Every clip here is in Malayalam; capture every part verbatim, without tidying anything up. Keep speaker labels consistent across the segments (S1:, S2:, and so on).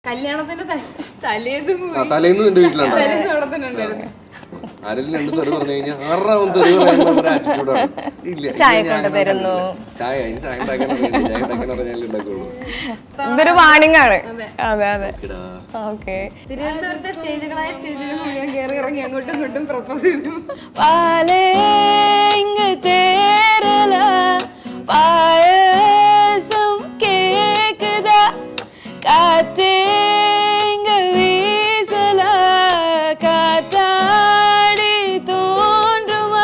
S1: കല്യാണത്തിന്റെ തലേന്നും
S2: തലേന്ന് എന്റെ വീട്ടിലുണ്ടായിരുന്നു. ആരെങ്കിലും രണ്ട് തെറി പറഞ്ഞു കഴിഞ്ഞാൽ ആറാമത് തെറി പറയുന്ന ആറ്റിറ്റ്യൂഡാണ്. ഇല്ല
S3: ചായ കൊണ്ടുതരുന്നു,
S2: ചായ അതിന് ചായ ഉണ്ടാക്കാൻ ചായ ഉണ്ടാക്കാൻ പറഞ്ഞാലേ ഉണ്ടാക്കുള്ളൂ.
S3: ഇതൊരു വാണിംഗ് ആണ്. അതെ അതെ ഓക്കെ.
S1: തിരുവനന്തപുരത്തെ സ്റ്റേജുകളായ സ്റ്റേജുകൾ മുഴുവൻ കയറി ഇറങ്ങി അങ്ങോട്ടും ഇങ്ങോട്ടും പ്രപ്പോസ് ചെയ്തു.
S3: പാലേ ഇങ്ങ് തേരല പായസം കേക്കുതാ കാറ്റേ ഇങ്ങ് വീസല കാറ്റാടി തോன்றுமா.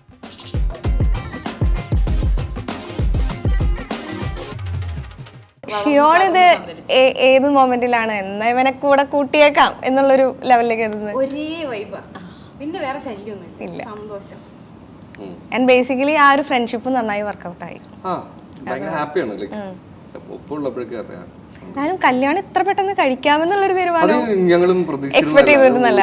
S3: ഷിയോൺ ഇത് ഏത് മൊമെന്റിലാണ് എന്നാ ഇവനെ കൂടെ കൂട്ടിയേക്കാം എന്നുള്ളൊരു ലെവലിലേക്ക് എത്തുന്നത്?
S1: ഒരേ വൈബാ, പിന്നെ വേറെ ശല്യമൊന്നുമില്ല, സന്തോഷം.
S3: ആൻഡ് ബേസിക്കലി ആ ഒരു ഫ്രണ്ട്ഷിപ്പ് നന്നായി വർക്ക്ഔട്ട് ആയി.
S2: ഹാപ്പിയാണ്. ഒപ്പമുള്ളപ്പോഴേക്കും ഹാപ്പിയാണ്.
S3: ഞാനും കല്യാണം ഇത്ര പെട്ടെന്ന് കഴിക്കാമെന്നുള്ളൊരു തീരുമാനം
S2: ഞങ്ങളും
S3: എക്സ്പെക്ട് ചെയ്തിരുന്നല്ല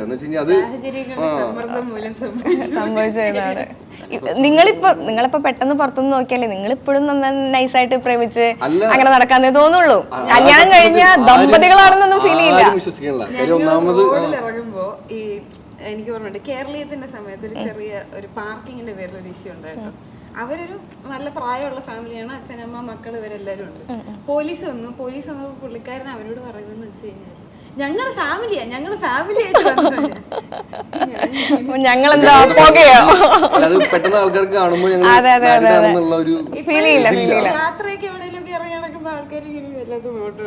S3: സംഭവിച്ചതാണ്. നിങ്ങളിപ്പോ നിങ്ങളിപ്പോ പെട്ടെന്ന് പുറത്തുനിന്ന് നോക്കിയാലേ നിങ്ങൾ ഇപ്പോഴും നൈസായിട്ട് പ്രേമിച്ച് അങ്ങനെ നടക്കാന്നേ തോന്നുള്ളൂ. കല്യാണം കഴിഞ്ഞ ദമ്പതികളാണെന്നൊന്നും ഫീൽ ചെയ്യില്ല.
S1: ഇറങ്ങുമ്പോ ഈ എനിക്ക് ഓർമ്മയുണ്ട് കേരളീയത്തിന്റെ സമയത്ത് ഒരു ചെറിയ ഒരു പാർക്കിങ്ങിന്റെ പേരിൽ ഒരു ഇഷ്യൂ ഉണ്ടായിരുന്നു. അവരൊരു നല്ല പ്രായമുള്ള ഫാമിലിയാണ്, അച്ഛനമ്മ മക്കൾ ഇവരെല്ലാരും ഉണ്ട്. പോലീസ് വന്നു. പോലീസ് വന്നപ്പോൾ പുള്ളിക്കാരൻ അവരോട് പറയുന്നതെന്ന് വെച്ച് കഴിഞ്ഞാൽ ഞങ്ങള് ഫാമിലിയാ, ഞങ്ങള് ഫാമിലി
S3: ഞങ്ങളെന്താ പോകയോ
S2: പെട്ടെന്ന് ആൾക്കാർക്ക് കാണുമ്പോൾ
S3: ഫീൽ ചെയ്യില്ല ഫീൽ ചെയ്യില്ല.
S1: യാത്രയൊക്കെ എവിടെയെങ്കിലും ഇറങ്ങി നടക്കുമ്പോ ആൾക്കാർ ഇങ്ങനെ വല്ലാത്ത നോട്ട്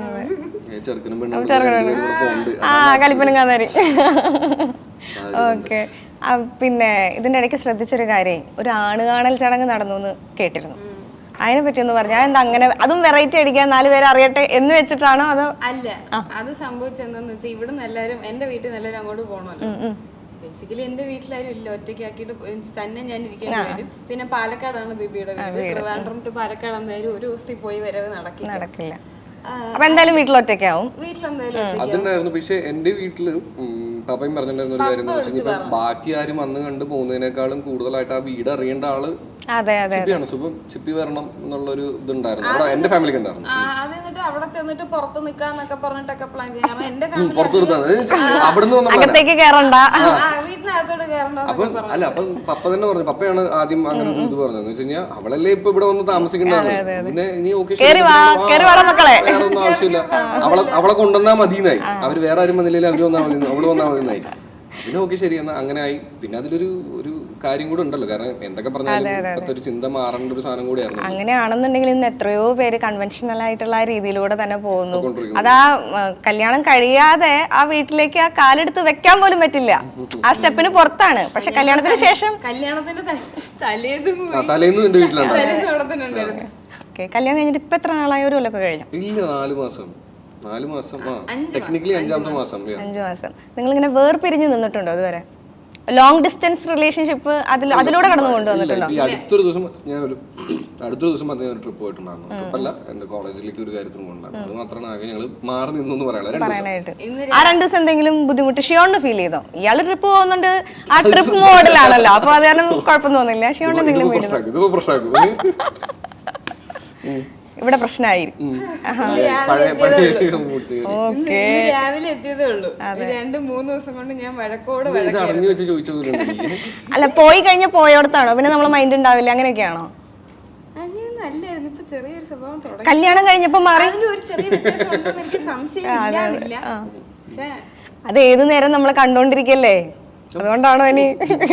S2: ചെറുക്കനും
S3: ആ കലിപ്പനും കാന്താരി. ഓക്കെ. പിന്നെ ഇതിന്റെ ഇടയ്ക്ക് ശ്രദ്ധിച്ചൊരു കാര്യം, ഒരു ആണ് കാണൽ ചടങ്ങ് നടന്നു എന്ന് കേട്ടിരുന്നു. അതിനെ പറ്റി ഒന്ന് പറഞ്ഞാൽ എന്താ അങ്ങനെ, അതും വെറൈറ്റി അടിക്കാൻ നാല് പേര് അറിയട്ടെ എന്ന് വെച്ചിട്ടാണോ അതോ?
S1: അല്ല, അത് സംഭവിച്ചെന്താന്ന് വെച്ചാൽ ഇവിടുന്ന് എല്ലാരും എന്റെ വീട്ടിൽ നിന്ന് എല്ലാവരും അങ്ങോട്ട് പോകണമല്ലോ. ബേസിക്കലി എന്റെ വീട്ടിലാരും ഇല്ല, ഒറ്റയ്ക്കാക്കിയിട്ട് തന്നെ ഞാൻ ഇരിക്കേണ്ടി വരും. പിന്നെ പാലക്കാടാണ് ബിബിയുടെ വീട്. ട്രിവാൻഡ്രം ടു പാലക്കാട് എന്തായാലും ഒരു ദിവസത്തിൽ പോയി വരവ് നടക്കില്ല
S3: നടക്കില്ല അപ്പൊ എന്തായാലും വീട്ടിൽ ഒറ്റയ്ക്കാവും.
S1: വീട്ടിലെന്തായാലും
S2: അതുണ്ടായിരുന്നു. പക്ഷെ എന്റെ വീട്ടില് പാപ്പയും പറഞ്ഞിട്ടുണ്ടായിരുന്ന ഒരു കാര്യം എന്ന് വെച്ചാൽ ഇപ്പൊ ബാക്കി ആരും വന്ന് കണ്ട് പോകുന്നതിനേക്കാളും കൂടുതലായിട്ട് ആ വീട് അറിയേണ്ട ആള് ചിപ്പിയാണ്. സുഖം ചിപ്പി വരണം എന്നുള്ളൊരു ഇതുണ്ടായിരുന്നു അവിടെ എന്റെ ഫാമിലിക്ക് ഉണ്ടായിരുന്നു.
S1: അത് എന്നിട്ട് അവിടെ ചെന്നിട്ട് പുറത്ത് നിക്കാന്നൊക്കെ പറഞ്ഞിട്ടൊക്കെ പ്ലാൻ ചെയ്യാം. എന്റെ
S2: പുറത്തു നിർത്താൻ അവിടുന്ന്
S3: അകത്തേക്ക് കേറണ്ട,
S1: വീട്ടിനകത്തോട് കേറണ്ട.
S2: അപ്പൊ അല്ല അപ്പൊ പപ്പ തന്നെ പറഞ്ഞു, പപ്പയാണ് ആദ്യം അങ്ങനെ ഒരു ഇത് പറഞ്ഞതെന്ന് വെച്ച് കഴിഞ്ഞാൽ അവളല്ലേ ഇപ്പൊ ഇവിടെ വന്ന് താമസിക്കേണ്ടതാണ്, പിന്നെ ഇനി ഓക്കെ വേറെ ഒന്നും ആവശ്യമില്ല, അവളെ അവളെ കൊണ്ടുവന്നാ മതിയെന്നായി. അവര് വേറെ ആരും വന്നില്ലെങ്കിൽ അവര് വന്നാൽ മതി, അവള് വന്നാൽ മതിയെന്നായി. പിന്നെ ഓക്കെ ശരി എന്നാ അങ്ങനെ ആയി. പിന്നെ അതിലൊരു ഒരു കാര്യം കൂടെ ഉണ്ടല്ലോ, കാരണം എന്തൊക്കെ പറഞ്ഞാലും ഇപ്പത്തെ ഒരു ചിന്ത മാറേണ്ട ഒരു സാധനം കൂടിയായിരുന്നു.
S3: അങ്ങനെയാണെന്നുണ്ടെങ്കിൽ ഇന്ന് എത്രയോ പേര് കൺവെൻഷനൽ ആയിട്ടുള്ള രീതിയിലൂടെ തന്നെ പോകുന്നു. അതാ കല്യാണം കഴിയാതെ ആ വീട്ടിലേക്ക് ആ കാലെടുത്ത് വെക്കാൻ പോലും പറ്റില്ല, ആ സ്റ്റെപ്പിന് പുറത്താണ്. പക്ഷെ കല്യാണത്തിന് ശേഷം
S1: കല്യാണത്തിന്റെ തലേന്നും
S2: തലേന്ന് എന്റെ വീട്ടിലാണ്.
S3: ഓക്കെ. കല്യാണം കഴിഞ്ഞിട്ട് ഇപ്പൊ എത്ര നാളായ? ഒരു കൊല്ലൊക്കെ കഴിഞ്ഞു?
S2: ഇല്ല, നാല് മാസം നാല് മാസം ടെക്നിക്കലി അഞ്ചാമത്തെ മാസം
S3: അഞ്ചു മാസം. നിങ്ങൾ ഇങ്ങനെ വേർപിരിഞ്ഞ് നിന്നിട്ടുണ്ടോ അതുവരെ? ലോങ് ഡിസ്റ്റൻസ് റിലേഷൻഷിപ്പ് അതിലൂടെ കടന്നു കൊണ്ടുവന്നിട്ടുണ്ടോ?
S2: ഈ അടുത്തൊരു ദിവസം ഞാൻ ഒരു അടുത്തൊരു ദിവസം മറ്റേ ഒരു ട്രിപ്പ് പോയിട്ടുണ്ടായിരുന്നു. ട്രിപ്പല്ല, എന്റെ കോളേജിലേക്ക് ഒരു കാര്യത്തിന് കൊണ്ടുണ്ടായിരുന്നു. അത് മാത്രമാണ് ആകെ ഞങ്ങൾ മാറി നിന്നു
S3: പറയാനായിട്ട്. ആ രണ്ടു ദിവസം എന്തെങ്കിലും ബുദ്ധിമുട്ട് ഷിയോണിന് ഫീൽ ചെയ്തോ? ഇയാള് ട്രിപ്പ് പോകുന്നുണ്ട്, ആ ട്രിപ്പ് മോഡലാണല്ലോ, അപ്പൊ അത് കാരണം കുഴപ്പം തോന്നില്ല. ഷിയോണിന് എന്തെങ്കിലും ഇവിടെ പ്രശ്നമായിരിക്കും.
S1: രാവിലെ എത്തിയതേ ഉള്ളൂ, രണ്ട് മൂന്ന് ദിവസം കൊണ്ട് ഞാൻ വഴക്കോട്
S3: അല്ല പോയി കഴിഞ്ഞ പോയോടത്താണോ പിന്നെ നമ്മളെ മൈൻഡ് ഉണ്ടാവില്ല, അങ്ങനെയൊക്കെയാണോ?
S1: അങ്ങനെയൊന്നും അല്ലായിരുന്നു. ഇപ്പൊ ചെറിയൊരു സ്വഭാവം തുടങ്ങി.
S3: കല്യാണം കഴിഞ്ഞപ്പോ മാറി
S1: ഒരു ചെറിയ വ്യത്യാസം ഉണ്ടെന്ന് എനിക്ക് സംശയമില്ല. പക്ഷെ
S3: അത് ഏതു നേരം നമ്മളെ കണ്ടോണ്ടിരിക്കല്ലേ, അതുകൊണ്ടാണോ ഇനി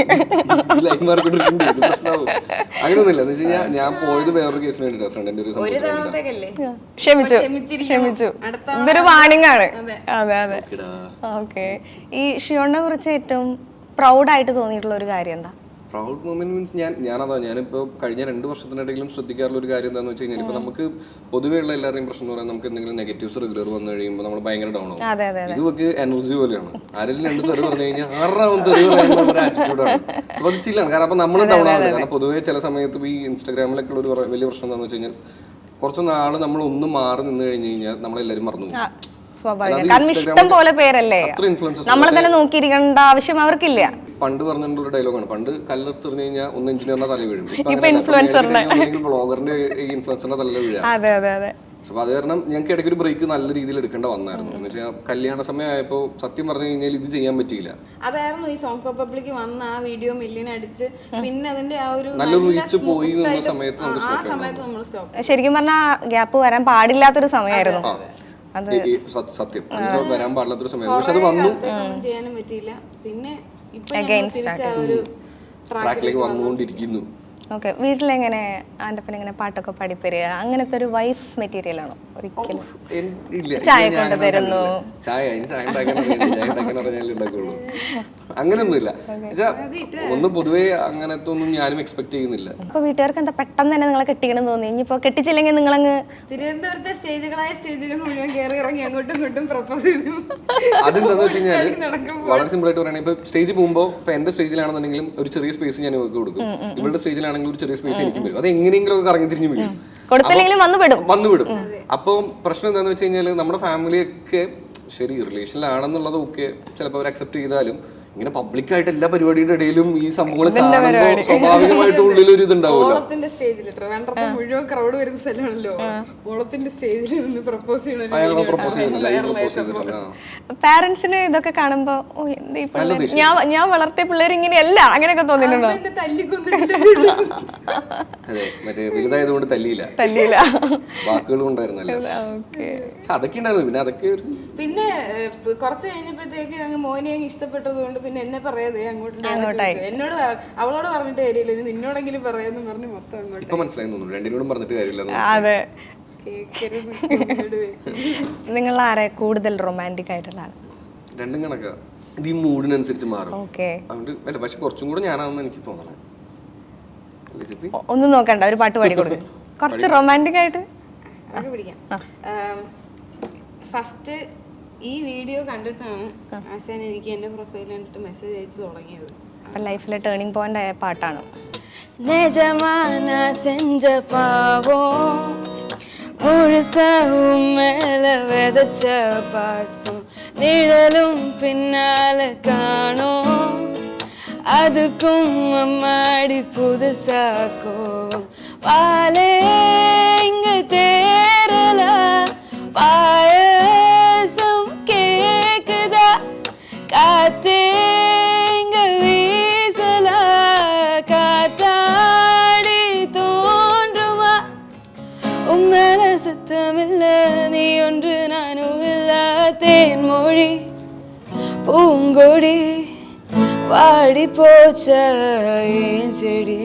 S2: അങ്ങനെയൊന്നുമില്ല. എന്ന് വെച്ചാൽ ഞാൻ പോയത് വേറൊരു കേസിന് വേണ്ടിട്ടാ, ഫ്രണ്ടിന്റെ ഒരു
S3: ക്ഷമിച്ചു ക്ഷമിച്ചു ഇതൊരു വാണിംഗ് ആണ്. അതെ അതെ ഓക്കെ. ഈ ഷിയോണിനെ കുറിച്ച് ഏറ്റവും പ്രൗഡായിട്ട് തോന്നിയിട്ടുള്ള ഒരു കാര്യം എന്താ?
S2: പ്രൗഡ് മൊമെന്റ് മീൻസ് ഞാൻ ഞാനതാ ഞാനിപ്പോൾ കഴിഞ്ഞ രണ്ട് വർഷത്തിനിടയിലും ശ്രദ്ധിക്കാറുള്ള ഒരു കാര്യം എന്താണെന്ന് വെച്ച് കഴിഞ്ഞാൽ, ഇപ്പൊ നമുക്ക് പൊതുവെയുള്ള എല്ലാവരുടെയും പ്രശ്നം എന്ന് പറയുന്നത് നമുക്ക് എന്തെങ്കിലും നെഗറ്റീവ്സ് റെഗുലർ വന്നു കഴിയുമ്പോൾ നമ്മൾ ഭയങ്കര ഡൗൺ ആവും. ഇതൊക്കെ എനർജി പോലെയാണ്. ആരെങ്കിലും രണ്ട് തെറി പറഞ്ഞു കഴിഞ്ഞാൽ ആറാമത് തെറി പറയുന്ന ഒരു ആറ്റിറ്റ്യൂഡാണ്. അപ്പൊ അത് ചില്ലാണ്, കാരണം അപ്പൊ നമ്മൾ ഡൗൺ ആവുന്നത്. കാരണം പൊതുവെ ചില സമയത്ത് ഈ ഇൻസ്റ്റാഗ്രാമിലൊക്കെ ഉള്ള ഒരു വലിയ പ്രശ്നം എന്താണെന്ന് വെച്ച് കഴിഞ്ഞാൽ, കുറച്ച് നാള് നമ്മൾ ഒന്ന് മാറി നിന്ന് കഴിഞ്ഞ് കഴിഞ്ഞാൽ നമ്മളെല്ലാവരും മറന്നു പോകും.
S3: സ്വാഭാവികം, കാരണം ഇഷ്ടം പോലെ പേരല്ലേ, നമ്മളെ തന്നെ നോക്കിയിരിക്കേണ്ട ആവശ്യം അവർക്കില്ല.
S2: പണ്ട് പറഞ്ഞിട്ടുള്ള ഡയലോഗാണ്, പണ്ട് കല്ലെടുത്ത് എറിഞ്ഞു കഴിഞ്ഞാൽ ഒന്ന് എഞ്ചിനീയറിന്റെ തല വീഴും,
S3: ഇൻഫ്ലുവൻസറിന്റെ
S2: ബ്ലോഗറിന്റെ ഇൻഫ്ലുവൻസറിന്റെ തല വീഴാം.
S3: അതെ അതെ അതെ
S2: അപ്പൊ അത് കാരണം ഞങ്ങൾക്ക് ഇടയ്ക്ക് ഒരു ബ്രേക്ക് നല്ല രീതിയിൽ എടുക്കേണ്ട വന്നായിരുന്നു. എന്ന് വെച്ചാൽ കല്യാണ സമയമായപ്പോ സത്യം പറഞ്ഞു കഴിഞ്ഞാൽ ഇത് ചെയ്യാൻ പറ്റിയില്ല.
S1: അതായിരുന്നു ഈ സോങ് ഫോർ പബ്ലിക് വന്ന ആ വീഡിയോ മില്യൺ അടിച്ച് പിന്നെ അതിന്റെ ആ ഒരു
S2: നല്ലൊരു റീച്ച് പോയി നിന്ന സമയത്ത്
S1: ആ സമയത്ത് നമ്മൾ സ്റ്റോപ്പ്.
S3: ശരിക്കും പറഞ്ഞാൽ ഗ്യാപ്പ് വരാൻ പാടില്ലാത്തൊരു സമയമായിരുന്നു അത്.
S2: സത്യം വരാൻ പാടില്ലാത്തൊരു സമയത്ത് പക്ഷെ അത് വന്നു,
S1: ചെയ്യാനും പറ്റിയില്ല. പിന്നെ ഇപ്പൊ ഒരു
S2: ട്രാക്കിലേക്ക് വന്നുകൊണ്ടിരിക്കുന്നു.
S3: ഓക്കെ, വീട്ടിലെങ്ങനെ ആൻ്റപ്പൻ ഇങ്ങനെ പാട്ടൊക്കെ പാടിത്തരിക അങ്ങനത്തെ ഒരു വൈഫ് മെറ്റീരിയൽ ആണോ? ഒരിക്കലും ചായ കൊണ്ട് തരുന്നു,
S2: ചായ ചായ ഉണ്ടാക്കുള്ളൂ അങ്ങനെയൊന്നുമില്ല. ഒന്ന് പൊതുവേ അങ്ങനത്തെ ഒന്നും ഞാനും എക്സ്പെക്ട് ചെയ്യുന്നില്ല.
S3: അപ്പൊ വീട്ടുകാർക്ക് എന്താ പെട്ടെന്ന് തന്നെ നിങ്ങളെ കെട്ടിക്കണം തോന്നി? ഇനിയിപ്പോ കെട്ടിച്ചില്ലെങ്കിൽ നിങ്ങളങ്ങ്
S1: തിരുവനന്തപുരത്തെ സ്റ്റേജുകളായ സ്റ്റേജുകൾ മുഴുവൻ കയറി ഇറങ്ങി അങ്ങോട്ടും ഇങ്ങോട്ടും പ്രപ്പോസ് ചെയ്തു.
S2: അതെന്താന്ന് വെച്ച് കഴിഞ്ഞാല് വളരെ സിമ്പിൾ ആയിട്ട് പറയുകയാണെങ്കിൽ ഇപ്പൊ സ്റ്റേജിൽ പോകുമ്പോൾ ഇപ്പൊ എന്റെ സ്റ്റേജിലാണെന്നുണ്ടെങ്കിലും ഒരു ചെറിയ സ്പേസ് ഞാൻ ഇവർക്ക് കൊടുക്കും, ഇവരുടെ സ്റ്റേജിലാണെങ്കിൽ ഒരു ചെറിയ സ്പേസ് എനിക്കും വരും. അത് എങ്ങനെയെങ്കിലും ഒക്കെ കറങ്ങി തിരിഞ്ഞു വീഴും,
S3: കൊടുത്തില്ലെങ്കിലും വന്നുവിടും
S2: വന്നുവിടും അപ്പൊ പ്രശ്നം എന്താന്ന് വെച്ച് കഴിഞ്ഞാല് നമ്മുടെ ഫാമിലിയൊക്കെ ശരി റിലേഷനിലാണെന്നുള്ളത് ഒക്കെ ചിലപ്പോൾ അവർ അക്സെപ്റ്റ് ചെയ്താലും ഇങ്ങനെ പബ്ലിക് ആയിട്ട് എല്ലാ പരിപാടിയുടെ ഇടയിലും ഈ സംഭവങ്ങൾ കാണുമ്പോൾ സ്വാഭാവികമായിട്ട് ഉള്ളിലൊരു ഇതുണ്ടാവുമല്ലോ.
S1: ഓളത്തിന്റെ സ്റ്റേജിൽ ട്രിവാൻഡ്രത്തെ മുഴുവൻ ക്രൗഡ് വരുന്ന സ്ഥലമാണല്ലോ, ഓളത്തിന്റെ സ്റ്റേജിൽ നിന്ന് പ്രപ്പോസ് ചെയ്യണം.
S3: പാരന്റ്സിന് ഇതൊക്കെ കാണുമ്പോ ഞാൻ ഞാൻ വളർത്തിയ പിള്ളേർ ഇങ്ങനെയല്ല അങ്ങനെയൊക്കെ തോന്നിയിട്ടുണ്ടോ?
S2: അതെ, മറ്റേ വലുതായതുകൊണ്ട് തല്ലിയില്ല
S3: തല്ലിയില്ല
S2: വാക്കുകളും ഉണ്ടായിരുന്നല്ലോ. അതൊക്കെ ഉണ്ടായിരുന്നു. പിന്നെ അതൊക്കെ
S1: പിന്നെ കുറച്ച് കഴിഞ്ഞപ്പോഴത്തേക്ക് അങ്ങ് മോനെ ഇഷ്ടപ്പെട്ടത് കൊണ്ട് പിന്നെ എന്നെ പറയാതെ അങ്ങോട്ട് എന്നോട് അവളോട് പറഞ്ഞിട്ട് കാര്യമില്ല, നിന്നോടെങ്കിലും പറയാന്ന് പറഞ്ഞ് മൊത്തം അങ്ങോട്ട്.
S2: ഇപ്പൊ മനസ്സിലായി തോന്നുന്നു രണ്ടിനോടും പറഞ്ഞിട്ട് കാര്യമില്ല.
S3: അതെ, നിങ്ങൾ ആരെ കൂടുതൽ റൊമാൻറ്റിക് ആയിട്ടുള്ള ആള്?
S2: രണ്ടും കണക്കാ, ഇത് ഈ മൂഡിനനുസരിച്ച് മാറും.
S3: ഓക്കെ,
S2: അതുകൊണ്ട് അല്ല പക്ഷെ കുറച്ചും കൂടെ ഞാനാണെന്ന് എനിക്ക് തോന്നണം.
S3: ഒന്നും നോക്കണ്ട, ഒരു പാട്ട് പാടി കൊടുക്കും കുറച്ച് റൊമാൻറ്റിക് ആയിട്ട്.
S1: അതൊക്കെ പിടിക്കാം. ഫസ്റ്റ് ഈ വീഡിയോ കണ്ടിട്ടാണ് ആശാൻ എനിക്ക് എന്റെ പ്രൊഫൈൽ കണ്ടിട്ട് മെസ്സേജ് അയച്ചു തുടങ്ങിയത്.
S3: അപ്പം ലൈഫിലെ ടേണിംഗ് പോയിന്റ് ആയ പാട്ടാണ്.
S4: நிஜமான செஞ்ச பாவம் முழுசாவும் மேல விதைச்ச பாசம் நிழலும் பின்னால காணோம் அதுக்கும் அம்மாடி புதுசா கோவம் பாலே இங்க தேரல பாயசம் கேக்குதா காத்தே இங்க வீசல காத்தாடி தோன்றுமா உம்மேல சத்தமில்ல நீ ஒன்று நானும் இல்ல தேன்மொழி பூங்கொடி வாடி போச்ச ஏன் செடி.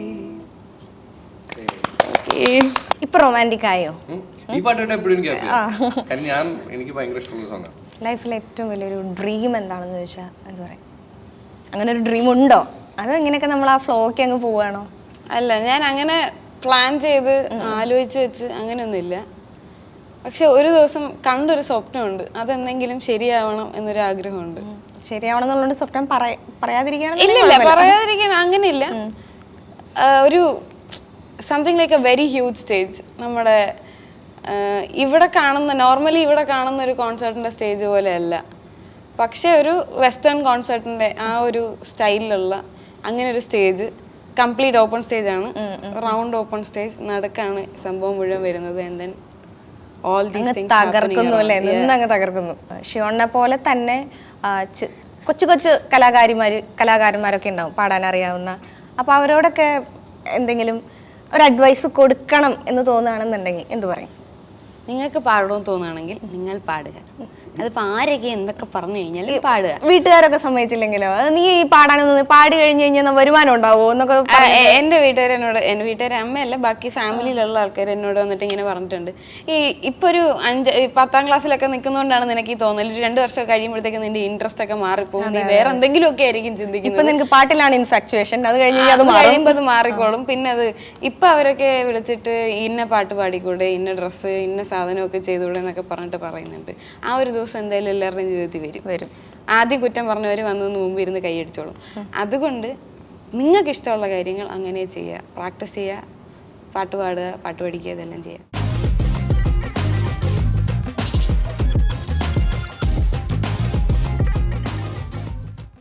S3: ഇപ്പൊ റൊമാൻറ്റിക് ആയോ?
S2: ഈ പാട്ടായിട്ട് എപ്പോഴും എനിക്ക് കാരണം ഞാൻ എനിക്ക് ഭയങ്കര ഇഷ്ടമുള്ള സോങ്ങാണ്.
S3: ലൈഫിലെ ഏറ്റവും വലിയൊരു ഡ്രീം എന്താണെന്ന് ചോദിച്ചാൽ എന്താ പറയാ, അങ്ങനെ ഒരു ഡ്രീം ഉണ്ടോ? അത് ഇങ്ങനെയൊക്കെ നമ്മൾ ആ ഫ്ലോയ്ക്ക് അങ്ങ് പോവാണോ?
S4: അല്ല, ഞാൻ അങ്ങനെ പ്ലാൻ ചെയ്ത് ആലോചിച്ച് വെച്ച് അങ്ങനെയൊന്നുമില്ല. പക്ഷെ ഒരു ദിവസം കണ്ടൊരു സ്വപ്നമുണ്ട്, അതെന്തെങ്കിലും ശരിയാവണം എന്നൊരു ആഗ്രഹമുണ്ട്.
S3: ശരിയാവണം എന്നുള്ളത് സ്വപ്നം പറയാതിരിക്കണം.
S4: ഇല്ലില്ല, പറയാതിരിക്കാൻ അങ്ങനെയില്ല. ഒരു something like a very huge stage, നമ്മുടെ ഇവിടെ കാണുന്ന നോർമലി ഇവിടെ കാണുന്ന ഒരു കോൺസേർട്ടിൻ്റെ സ്റ്റേജ് പോലെയല്ല, പക്ഷേ ഒരു വെസ്റ്റേൺ കോൺസേർട്ടിൻ്റെ ആ ഒരു സ്റ്റൈലിലുള്ള അങ്ങനെ ഒരു സ്റ്റേജ്, കംപ്ലീറ്റ് ഓപ്പൺ സ്റ്റേജ് ആണ്, റൗണ്ട് ഓപ്പൺ സ്റ്റേജ്, നടുക്കാണ് സംഭവം മുഴുവൻ വരുന്നത്. And then all these things
S3: തകർക്കുന്നു അല്ലേ, നിന്നങ്ങ് തകർക്കുന്നു. ഷിയോണിനെ പോലെ തന്നെ കൊച്ചു കൊച്ചു കലാകാരിമാര് കലാകാരന്മാരൊക്കെ ഉണ്ടാവും പാടാൻ അറിയാവുന്ന. അപ്പോൾ അവരോടൊക്കെ എന്തെങ്കിലും ഒരു അഡ്വൈസ് കൊടുക്കണം എന്ന് തോന്നുകയാണെന്നുണ്ടെങ്കിൽ എന്ത് പറയും?
S4: നിങ്ങൾക്ക് പാടണമെന്ന് തോന്നുകയാണെങ്കിൽ നിങ്ങൾ പാടുക. അതിപ്പോൾ ആരൊക്കെ എന്തൊക്കെ പറഞ്ഞു കഴിഞ്ഞാൽ പാടുക.
S3: വീട്ടുകാരൊക്കെ സമ്മതിച്ചില്ലെങ്കിലോ? നീ ഈ പാടാനൊന്നും പാടി കഴിഞ്ഞ് കഴിഞ്ഞാൽ വരുമാനം ഉണ്ടാവോ എന്നൊക്കെ
S4: എൻ്റെ വീട്ടുകാർ എന്നോട്, എൻ്റെ വീട്ടുകാർ അമ്മയല്ല ബാക്കി ഫാമിലിയിലുള്ള ആൾക്കാർ എന്നോട് വന്നിട്ട് ഇങ്ങനെ പറഞ്ഞിട്ടുണ്ട്, ഈ ഇപ്പോൾ ഒരു അഞ്ച് പത്താം ക്ലാസ്സിലൊക്കെ നിൽക്കുന്നതുകൊണ്ടാണ് നിനക്ക് ഈ തോന്നൽ, ഒരു രണ്ട് വർഷം കഴിയുമ്പോഴത്തേക്ക് നിന്റെ ഇൻട്രസ്റ്റ് ഒക്കെ മാറിപ്പോകും, നീ വേറെ എന്തെങ്കിലും ഒക്കെ ആയിരിക്കും ചിന്തിക്കുന്നത്.
S3: നിനക്ക് പാട്ടിലാണ് ഇൻഫാക്ച്വേഷൻ, അത് കഴിഞ്ഞ്
S4: അത് കഴിയുമ്പോൾ അത് മാറിക്കോളും. പിന്നെ അത് ഇപ്പം അവരൊക്കെ വിളിച്ചിട്ട് ഇന്ന പാട്ട് പാടിക്കൂടെ, ഇന്ന ഡ്രസ്സ് ഇന്ന സാധനമൊക്കെ ചെയ്തുകൂടെ എന്നൊക്കെ പറഞ്ഞിട്ട് പറയുന്നുണ്ട്. ആ ഒരു ദിവസം എന്തായാലും എല്ലാവരുടെയും ജീവിതത്തിൽ വരും വരും ആദ്യം കുറ്റം പറഞ്ഞവർ വന്നതിന് മുമ്പ് ഇരുന്ന് കൈയടിച്ചോളും. അതുകൊണ്ട് നിങ്ങൾക്ക് ഇഷ്ടമുള്ള കാര്യങ്ങൾ അങ്ങനെ ചെയ്യുക, പ്രാക്ടീസ് ചെയ്യുക, പാട്ട് പാടുക, പാട്ട് പഠിക്കുക, ഇതെല്ലാം ചെയ്യുക.